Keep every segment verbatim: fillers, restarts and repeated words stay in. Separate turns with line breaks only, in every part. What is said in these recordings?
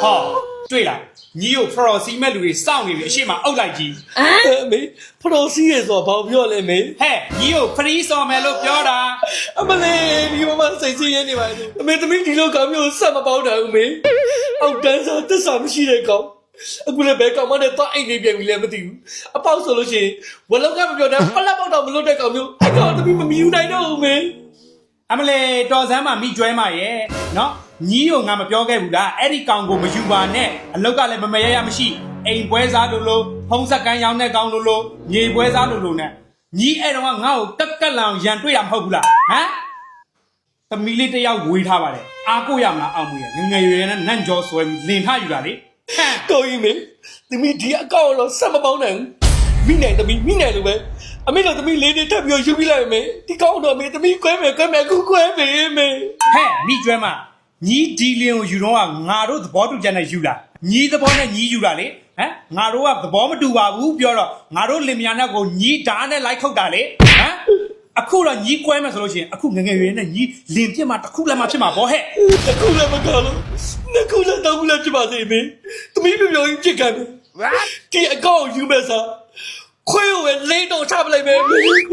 好，对了，你有 Pro C 麦路的上面的些嘛欧来机，
没 Pro C 嘅ဆိုဘာပြောလဲမေ
嘿，你有 Free 上面路标的，
အမလေးဒီမမစိတ်ဆင်းရဲနေပါလေအမေသမီးဒီလိုကောင်မျိုးဆက်မပေါင်းတာဦးမေအောက်တန်းစားတက်စာမရှိတဲ့ကောင်အခုလည်းဘယ်ကောင်မနဲ့တော့အိတ်လေးပြန်ပြီလည်းမသိဘူးအပေါက်ဆိုလို့ရှိရင်ဝလောက်ကမပြောတဲ့ပလက်ပေါက်တော့မလွတ်တဲ့ကောင်မျိုးအဲ့ကောင်သမီးမမီယူနိုင်တော့ဦးမေ
အမလေးတော်စမ်းမှာမိကျွဲမှာရဲ့နော်ညီကိုငါမပြောခဲ့ဘူးလားအဲ့ဒီကောင်ကိုမယူပါနဲ့အလောက်ကလည်းမမရရမရှိအိမ်ပွဲစားလို့လို့ဖုံးဆက်ကန်းရောင်းတဲ့ကောင်လို့လို့မြေပွဲစားလို့လို့နဲ့ညီအဲ့တော့ငါ့ကိုကက်ကက်လောင်ရန်တွေ့တာမဟုတ်ဘူးလားဟမ်သမီးလေးတယောက်ဝေးထားပါတယ်အားကိုရမလားအောင်မွေးငငယ်ရွယ်နဲ့နန့်ကျော်ဆွဲလင်ထယူတာလေဟမ်
ကိုကြီးမေသမီးဒီအကောင်တော့ဆက်မပေါင်းနိုင်ဘူးမိနိုင်သမီးမိနိုင်လို့ပဲအမေတို့သမီးလေးနေထပ်ပြီးယူပြီးလိုက်မေဒီကောင်တော့မေသမီးကွဲမယ်ကွဲမယ်ကူကွဲမေမေ
ဟဲ့မိကျွဲမညီဒီလင်ကိုယူတော့ငါတို့သဘောတူချက်နဲ့ယူလာညီသဘောနဲ့ညီယူတာလေဟမ်ငါတို့ကသဘောမတူပါဘူးပြောတော့ငါတို့လင်မယားနဲ့ကိုညီဓာတ်နဲ့လိုက်ခုတ်တာလေဟမ်အခုတော့ညီကွဲမယ်ဆိုလို့ရှိရင်အခုငငယ်ရွယ်နဲ့ညီလင်ပြစ်မှာတစ်ခုလည်းမဖြစ်မှာဗောဟဲ့
တစ်ခုလည်းမကောင်းလို့နှစ်ခုလည်းတောင်းလည်းဖြစ်ပါစေမေသမီးပြောရင်ဖြစ်ကန်မယ်ဒီအကောင်ယူမယ်စားခွေးကိုလေးတော့ချပလိုက်မယ်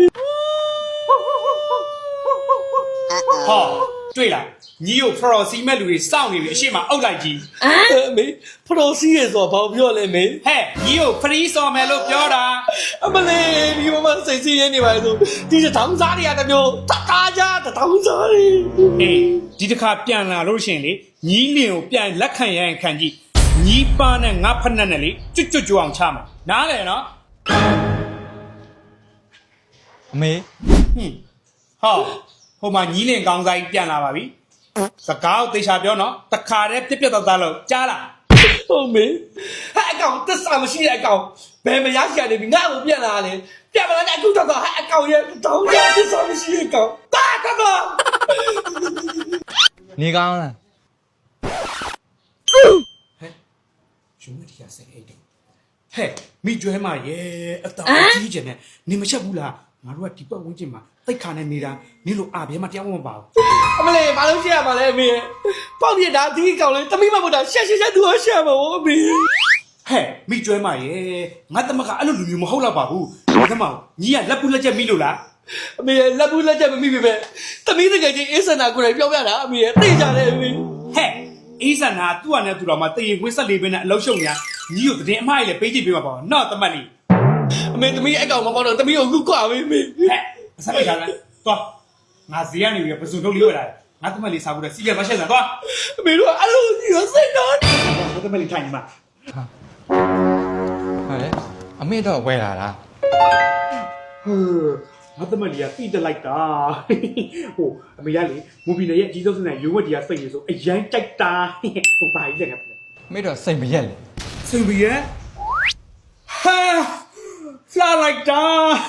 好，对了，你有 Pro C 麦路的上面的些嘛欧来机，
မေဖရိုစီရဲ့ဆိုဘာပြောလဲမေ
嘿，你有 Free 上面路标的，
အမလေးဒီမမစိတ်ဆင်းရဲနေပါလေဆိုဒီတောင်စားတွေကတမျိုးတကားကြတောင်စားတွေ
哎，ဒီတစ်ခါပြန်လာလို့ရှင်လေညီလင်ကိုပြန်လက်ခံရရင်ခံကြည့်ညီပါနဲ့ငါဖက်နဲ့နဲ့လေကျွတ်ကျွတ်ကြွအောင်ချမှာနားလေနော်
အမေ
ဟင်းဟောဟိုမှာညီလင်ကောင်းဆိုင်ပြန်လာပါပြီစကားကိုသေချာပြောနော်တခါတည်းပြက်ပြက်သားသားလို့ကြားလား
ဟုတ်မေဟဲ့အကောင်တက်စာမရှိတဲ့အကောင်ဘယ်မရရှာနေပြီငါ့ကိုပြန်လာတယ်ပြန်မလာနဲ့အခုတော့ဟဲ့အကောင်ရဲ့တောင်းကြတက်စာမရှိတဲ့အကောင်တာကတော့
နေကောင်းလား
ယူမတီးရစိတ်အိတ်တယ်ဟဲ့မိကျွဲမရဲ့အတောင်ကြီးကျင်နဲ့နေမချက်ဘူးလားငါတို့ကဒီပတ်ဝန်းကျင်မှာတိတ်ခါနဲ့နေတာနင်လိုအာဘဲမတရားမပါဘူး
အမလေးဘာလို့ရှက်ရမှာလဲအမေပေါက်ပြတာဒီကောင်လေးတမိမမတာရှက်ရှက်ရှက်သူရှက်မှာဗောအမေ
ဟဲ့မိကျွဲမရဲ့ငါတမကအဲ့လိုလူမျိုးမဟုတ်တော့ပါဘူးဒီမောင်ညီကလက်ပူလက်ချက်မိလို့လား
အမေလက်ဘူးလက်ချက်မမိပြီပဲတမိတကယ်ချင်းအေးစနာကိုယ်တိုင်ပြောပြတာအမေသိကြတယ်အမေ
ဟဲ့အေးစနာသူ့အနေနဲ့သူတော်မှာတရင်ဝင်းဆက်လေးပဲနဲ့အလုံးရှုံညာညီကိုတည်င်းအမှားကြီးလေပေးကြည့်ပေးမှာပေါ့နော်တမတ်လေး
အမေတမိအကောင်မပေါတော့တမိကိုခုကွာပဲအမေ
ဟဲ့အဆက်လိုက်တာလားသွားငါဈေးကနေပြီးပစုံထုတ်လေးဝယ်လာတယ်ငါတမတ်လေးစားဖို့တဲ့စီးရမရှက်စံသွား
အမေတို့အဲ့လိုကြီးရောစိတ်တော့
ငါတမတ်လေးထိုင်နေမှာ
ဟုတ်တယ်အမေတော့ဝဲလာလား
ဟဲ့ငါတမတ်လေးကတိတက်လိုက်တာဟိုအမေကလေမူဘီနယ်ရဲ့အကြီးဆုံးစနေရုံးဝက်တီကစိတ်နေဆိုအရန်ကြိုက်တာဟိုပါကြီးလက်က
အမေတော့စိတ်မရက်လေ
စင်ဘီရဲ့ဟာဖလာလိုက်တာ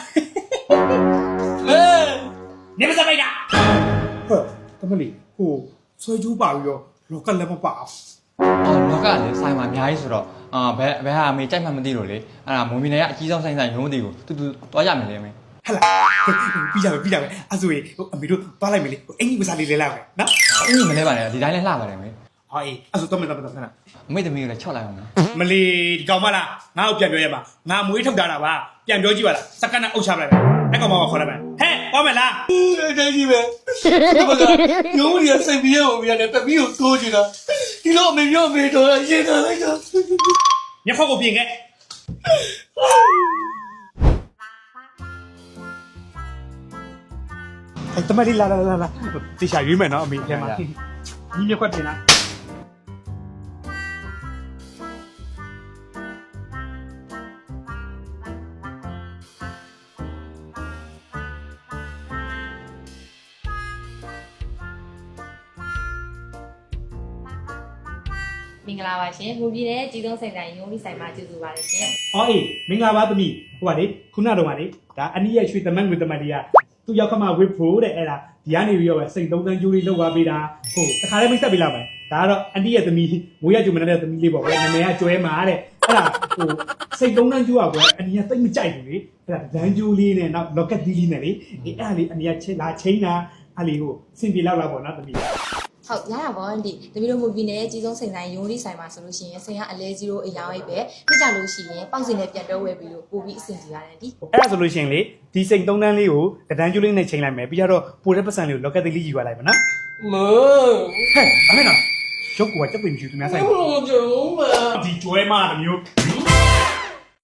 ဟဲ့
နေမစပိုက်တာဟဲ့တမလေးဟိုဆွဲကျူးပါပြီးတော့လောကလည်းမပါဘူး
အော်လောကလည်းဆိုင်မှာအများကြီးဆိုတော့အာဘယ်ဘယ်ဟာအမေကြိုက်မှမသိလို့လေအဲ့ဒါမွန်မီနယ်ကအကြီးဆုံးဆိုင်ဆိုင်ရုံးတွေကိုတူတူသွားရမယ်လေအမေ
ဟဲ့လားပြီးကြပဲပြီးကြပဲအဲ့ဆိုရင်ဟိုအမေတို့သွားလိုက်မယ်လေဟိုအင်ကြီးမစားလေးလဲလိုက်မယ်နော်
အင်းမလဲပါနဲ့ဒီတိုင်းလဲလှပါတယ်အမေ
ဟောအေးအဲ့ဆိုတော့မင်းတော့တော့နော်
အမေသမီးကိုလည်းချော့လိုက်အောင်နော်
မလီဒီကောင်မလားငါ့ကိုပြန်ပြောရမှာငါမွေးထုတ်တာပါပြန်ပြောကြည့်ပါလားစက္ကန့်နဲ့အုပ်ချပလိုက်မယ်အဲ့ကောင်မကခေါ်လိုက်မယ်ဟဲ့သွားမယ်လား
အဲ့ဒါကြီးပဲဒီဘကရုံးကြီးစိတ်ပြေအောင်ပြန်တယ်တမိကိုတိုးချင်တာဒီလိုအမေပြောအမေတော့ရင်ထားလိုက်တာ
ညခေါက်ကိုပြင်ခဲ့အဲ့တမလေးလာလာလာလာတေချာရွေးမယ်နော်အမေထဲမှာညီမြခွက်ပြင်လား
မင်္ဂလာပါရှင်ဘူပြည်တဲ့ကြီးသုံးစိတ်တိုင်းရုံးပြီးဆိုင်မှာကျေးဇူးပါတယ်ရှင်
။အော်အေးမင်္ဂလာပါသမီး။ဟိုပါလေခုနကတော့ပါလေဒါအနည်းရဲ့ရွှေသမက်ငွေသမက်တွေကသူ့ရောက်ခမဝစ်ဖို့တဲ့အဲ့ဒါဒီကနေပြီးတော့ပဲစိတ်သုံးသန်းကျိုးလေးလောက်သွားပေးတာ။ဟုတ်တခါလေးမိတ်ဆက်ပေးလိုက်မယ်။ဒါကတော့အနည်းရဲ့သမီးငွေရကျုံမနေတဲ့သမီးလေးပေါ့ကွယ်။နာမည်ကကျွဲမာတဲ့။အဲ့ဒါဟိုစိတ်သုံးသန်းကျိုးอ่ะကွယ်အနည်းကသိမကြိုက်ဘူးလေ။အဲ့ဒါဒန်းကျိုးလေးနဲ့နောက် locket သီးလေးနဲ့လေ။အေးအဲ့ဒါလေးအနည်းကချင်းလာချင်းတာအဲ့လေးဟိုစင်ပြေလောက်လာပေါ့နော်သမီး။
ဟဟုတ်ရတာပေါ့အန်တီတပီတို့မူဗီနဲ့အကြီးဆုံးစိန်ဆိုင်ရုံးလေးဆိုင်မှာဆိုလို့ရှိရင်စိန်ကအလဲကြီးလို့အယောင်အိပ်ပဲပြကြလို့ရှိရင်ပေါက်စင်နဲ့ပြန်တော့ဝယ်ပြီးလို့ပို့ပြီးအဆင်ပြေရတယ်အန်တီ
အဲ့ဒါဆိုလို့ရှိရင်လေဒီစိန်သုံးတန်းလေးကိုတဒန်းကျိုးလေးနဲ့ချိန်လိုက်မယ်ပြီးတော့ပိုတဲ့ပတ်စံလေးကိုလော့ကက်သေးလေးယူရလိုက်ပါနော်
မ
ဟဲ့အမေနော်ရုပ်ကချက်ပင်ဖြူသူများဆိုင်
ဟုတ်ကြုံးပါ
ဒီကျွဲမတမျိုး